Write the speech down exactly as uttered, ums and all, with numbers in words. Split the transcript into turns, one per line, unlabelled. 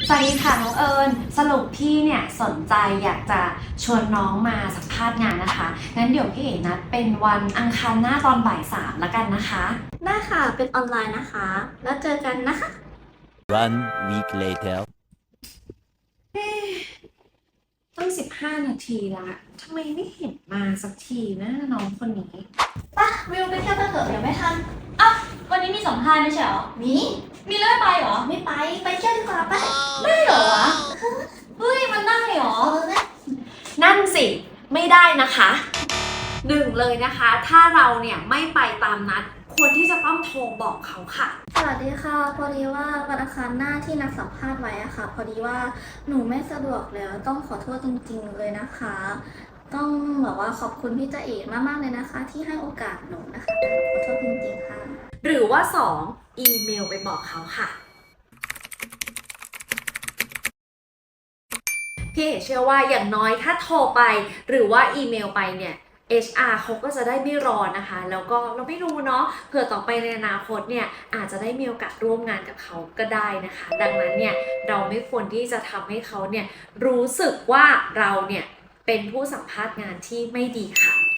สวัสดีค่ะน้องเอิญสรุปพี่เนี่ยสนใจอยากจะชวนน้องมาสัมภาษณ์งานนะคะงั้นเดี๋ยวพี่เอ๋นัดเป็นวันอังคารหน้าตอนบ่ายสามแล้วกันนะคะ
ได้ค่ะ เป็นออนไลน์นะคะ แล้วเจอกันนะคะ
One week later.
ตั้งสิบห้านาทีละทำไมไม่เห็นมาสักทีนะน้องคนนี้
ปะวิวไปเที่ยวกันเถอะเดี๋ยวไม่ทัน
อ้าววันนี้มีสัมภาษณ์ไม่ใช่เหรอ
มี
มีเลื่อนไปเหรอ
ไม่ไป ไปเที่ยวดีกว่าไป
ได้เหรอวะ เฮ้ย มันได้เหรอ
เออนะ
นั่นสิไม่ได้นะคะหนึ่งเลยนะคะ ถ้าเราเนี่ยไม่ไปตามนัดควรที่จะต้องโทรบอกเขาค่ะ
สวัสดีค่ะ พอดีว่าวันอังคารหน้าที่นัดสัมภาษณ์ไว้อะค่ะ พอดีว่าหนูไม่สะดวกแล้ว ต้องขอโทษจริงๆเลยนะคะ ต้องแบบว่าขอบคุณพี่จ๊ะเอ๋มากๆเลยนะคะ ที่ให้โอกาสหนูนะคะขอโทษจริงๆค่ะ
หรือว่าสองอีเมลไปบอกเขาค่ะพี่เอ๋เชื่อว่าอย่างน้อยถ้าโทรไปหรือว่าอีเมลไปเนี่ย เอช อาร์ เขาก็จะได้ไม่รอนะคะ แล้วก็เราไม่รู้เนาะเผื่อต่อไปในอนาคตเนี่ยอาจจะได้มีโอกาสร่วมงานกับเขาก็ได้นะคะ ดังนั้นเนี่ยเราไม่ควรที่จะทำให้เขาเนี่ยรู้สึกว่าเราเนี่ยเป็นผู้สัมภาษณ์งานที่ไม่ดีค่ะ